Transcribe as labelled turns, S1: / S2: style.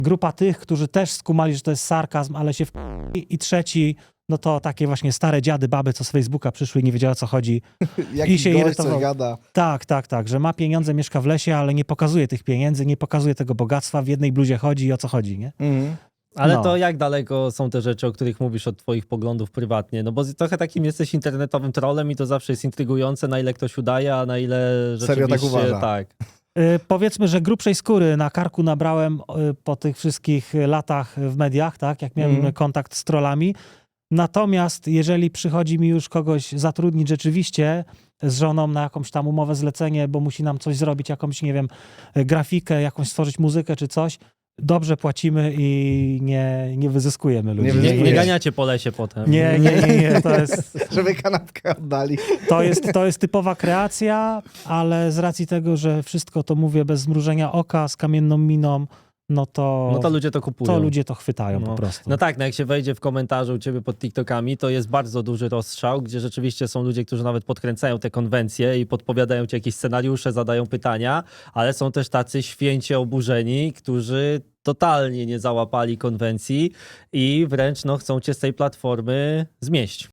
S1: grupa tych, którzy też skumali, że to jest sarkazm, ale się i trzeci, no to takie właśnie stare dziady, baby, co z Facebooka przyszły i nie wiedziały, o co chodzi.
S2: Jakiś
S1: się
S2: gość
S1: irytował.
S2: coś gada.
S1: Tak, że ma pieniądze, mieszka w lesie, ale nie pokazuje tych pieniędzy, nie pokazuje tego bogactwa, w jednej bluzie chodzi i o co chodzi, nie?
S2: Mhm.
S3: Ale
S1: No.
S3: to jak daleko są te rzeczy, o których mówisz od twoich poglądów prywatnie? No bo trochę takim jesteś internetowym trollem i to zawsze jest intrygujące, na ile ktoś udaje, a na ile
S2: Serio tak
S3: rzeczywiście
S2: uważa?
S3: tak.
S1: Powiedzmy, że grubszej skóry na karku nabrałem po tych wszystkich latach w mediach, tak, jak miałem kontakt z trollami. Natomiast jeżeli przychodzi mi już kogoś zatrudnić rzeczywiście z żoną na jakąś tam umowę zlecenie, bo musi nam coś zrobić, jakąś, nie wiem, grafikę, jakąś stworzyć muzykę czy coś, dobrze płacimy i nie wyzyskujemy ludzi.
S3: Nie ganiacie po lesie potem.
S1: Nie, to jest...
S2: Żeby kanapkę oddali.
S1: To jest typowa kreacja, ale z racji tego, że wszystko to mówię bez zmrużenia oka, z kamienną miną, no to
S3: ludzie to kupują.
S1: to ludzie to chwytają po prostu.
S3: No tak, no jak się wejdzie w komentarzu u ciebie pod TikTokami, to jest bardzo duży rozstrzał, gdzie rzeczywiście są ludzie, którzy nawet podkręcają te konwencje i podpowiadają ci jakieś scenariusze, zadają pytania, ale są też tacy święcie oburzeni, którzy totalnie nie załapali konwencji i wręcz no, chcą cię z tej platformy zmieść.